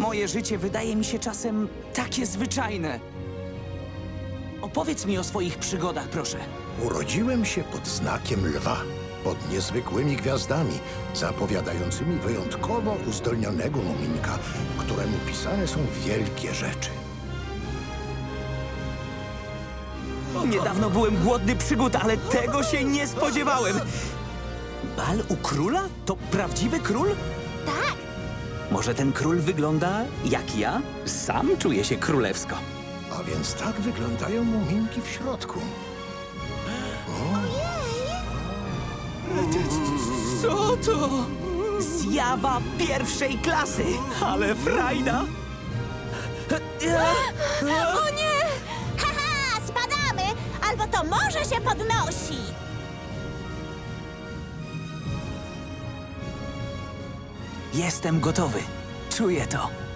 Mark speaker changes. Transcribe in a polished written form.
Speaker 1: Moje życie wydaje mi się czasem takie zwyczajne. Opowiedz mi o swoich przygodach, proszę.
Speaker 2: Urodziłem się pod znakiem lwa, pod niezwykłymi gwiazdami, zapowiadającymi wyjątkowo uzdolnionego muminka, któremu pisane są wielkie rzeczy.
Speaker 1: Niedawno byłem głodny przygód, ale tego się nie spodziewałem. Bal u króla? To prawdziwy król?
Speaker 3: Tak,
Speaker 1: Może ten król wygląda jak ja? Sam czuję się królewsko.
Speaker 2: A więc tak wyglądają muminki w środku.
Speaker 1: Co to? Zjawa pierwszej klasy! Ale frajda!
Speaker 3: o nie! Haha, spadamy! Albo to morze się podnosi!
Speaker 1: Jestem gotowy. Czuję to.